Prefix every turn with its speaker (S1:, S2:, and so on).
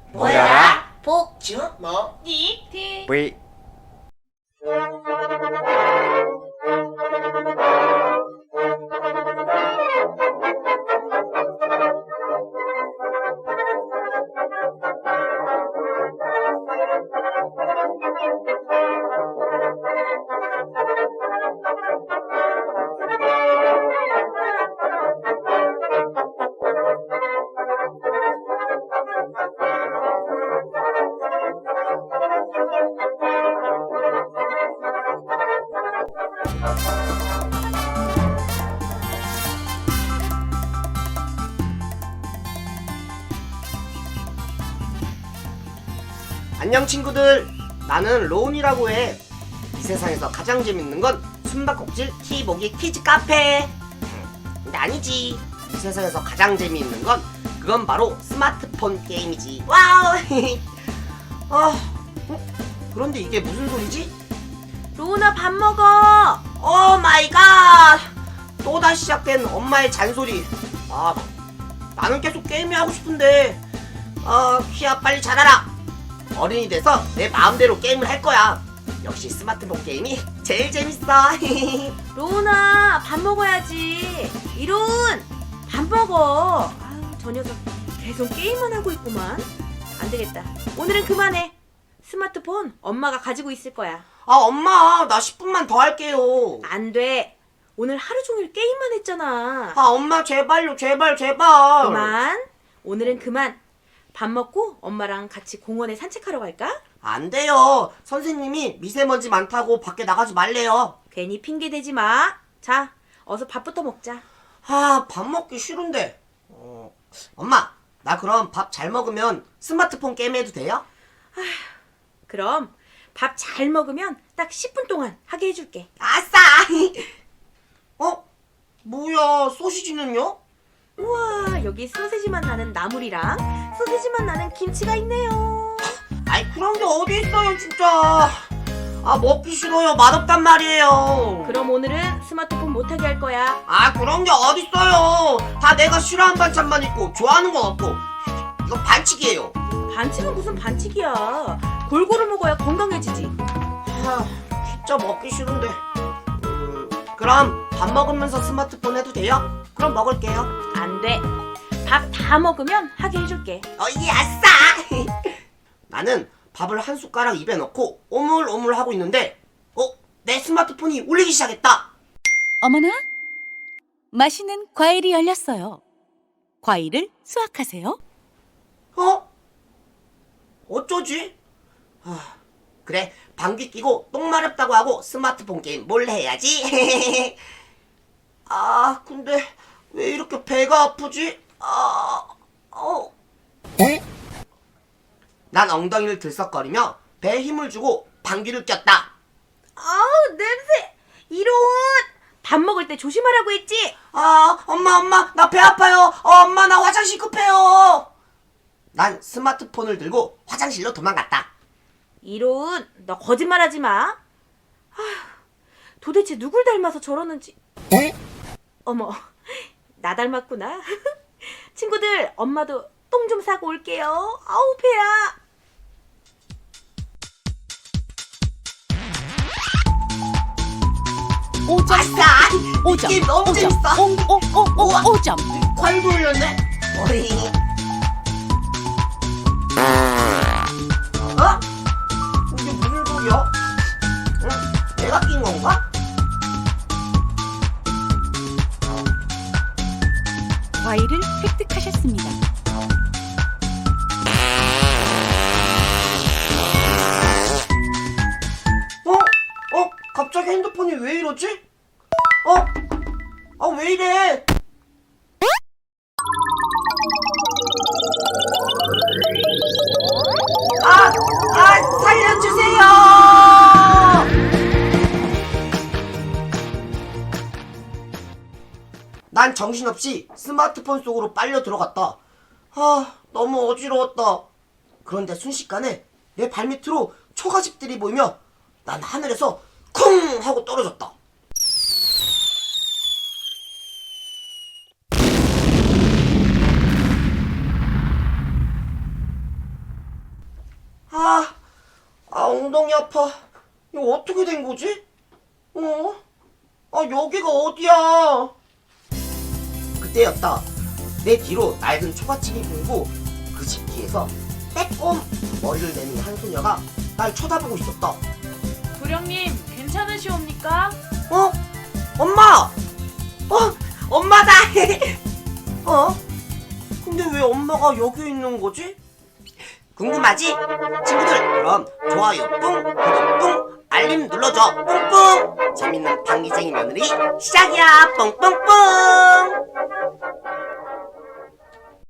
S1: 모여라
S2: 복주
S1: 뭐
S2: 니 티
S3: V
S1: 안녕 친구들, 나는 로운이라고 해. 이 세상에서 가장 재밌는 건 숨바꼭질 키보기 퀴즈 카페. 근데 아니지, 이 세상에서 가장 재미있는 건 그건 바로 스마트폰 게임이지. 와우. 그런데 이게 무슨 소리지?
S2: 로운아 밥 먹어.
S1: 오 마이 갓! 또다시 시작된 엄마의 잔소리. 나는 계속 게임이 하고 싶은데. 키야 빨리 자라라. 어른이 돼서 내 마음대로 게임을 할 거야. 역시 스마트폰 게임이 제일 재밌어.
S2: 로운아 밥 먹어야지. 이로운 밥 먹어. 저 녀석 계속 게임만 하고 있구만. 안 되겠다. 오늘은 그만해. 스마트폰 엄마가 가지고 있을 거야.
S1: 엄마, 나 10분만 더 할게요.
S2: 안 돼. 오늘 하루 종일 게임만 했잖아.
S1: 엄마 제발요, 제발.
S2: 그만. 오늘은 그만. 밥 먹고 엄마랑 같이 공원에 산책하러 갈까?
S1: 안 돼요. 선생님이 미세먼지 많다고 밖에 나가지 말래요.
S2: 괜히 핑계 대지 마. 자, 어서 밥부터 먹자.
S1: 밥 먹기 싫은데. 엄마, 나 그럼 밥 잘 먹으면 스마트폰 게임 해도 돼요?
S2: 그럼 밥 잘 먹으면 딱 10분 동안 하게 해줄게.
S1: 아싸! 뭐야, 소시지는요?
S2: 우와, 여기 소세지만 나는 나물이랑 소세지만 나는 김치가 있네요.
S1: 아이, 그런 게 어디 있어요, 진짜. 먹기 싫어요. 맛없단 말이에요.
S2: 그럼 오늘은 스마트폰 못하게 할 거야.
S1: 그런 게 어디 있어요. 다 내가 싫어하는 반찬만 있고 좋아하는 건 없고. 이건 반칙이에요.
S2: 반칙은 무슨 반칙이야. 골고루 먹어야 건강해지지.
S1: 진짜 먹기 싫은데. 그럼 밥 먹으면서 스마트폰 해도 돼요? 그럼 먹을게요.
S2: 안 돼. 밥 다 먹으면 하게 해줄게.
S1: 아싸! 나는 밥을 한 숟가락 입에 넣고 오물오물 하고 있는데 내 스마트폰이 울리기 시작했다.
S4: 어머나, 맛있는 과일이 열렸어요. 과일을 수확하세요.
S1: 어쩌지? 그래, 방귀 끼고 똥 마렵다고 하고 스마트폰 게임 몰래 해야지. 근데 왜 이렇게 배가 아프지? 난 엉덩이를 들썩거리며 배에 힘을 주고 방귀를 꼈다.
S2: 아우, 냄새. 이런. 밥 먹을 때 조심하라고 했지?
S1: 엄마, 나 배 아파요. 엄마, 나 화장실 급해요. 난 스마트폰을 들고 화장실로 도망갔다.
S2: 이로운, 너 거짓말하지 마. 도대체 누굴 닮아서 저러는지. 어머, 나 닮았구나. 친구들, 엄마도 똥 좀 싸고 올게요. 아우, 배야.
S1: 아싸! 이
S4: 5점,
S1: 게임 너무
S4: 5점,
S1: 재밌어.
S4: 5점.
S1: 과일도 올렸네. 이게 무슨 소리야? 내가 낀 건가?
S4: 과일을 획득하셨습니다.
S1: 갑자기 핸드폰이 왜 이러지? 왜 이래? 살려주세요! 난 정신없이 스마트폰 속으로 빨려 들어갔다. 너무 어지러웠다. 그런데 순식간에 내 발밑으로 초가집들이 보이며 난 하늘에서 쿵 하고 떨어졌다. 엉덩이 아파. 이거 어떻게 된 거지? 여기가 어디야? 그때였다. 내 뒤로 낡은 초가집이 보이고 그 집 뒤에서 빼꼼 머리를 내민 한 소녀가 날 쳐다보고 있었다.
S2: 도령님, 괜찮으시옵니까?
S1: 엄마! 엄마다! 근데 왜 엄마가 여기 있는 거지? 궁금하지? 친구들, 그럼 좋아요 뿡, 구독 뿡, 알림 눌러줘 뿡뿡! 재밌는 방귀쟁이 며느리 시작이야 뿡뿡뿡!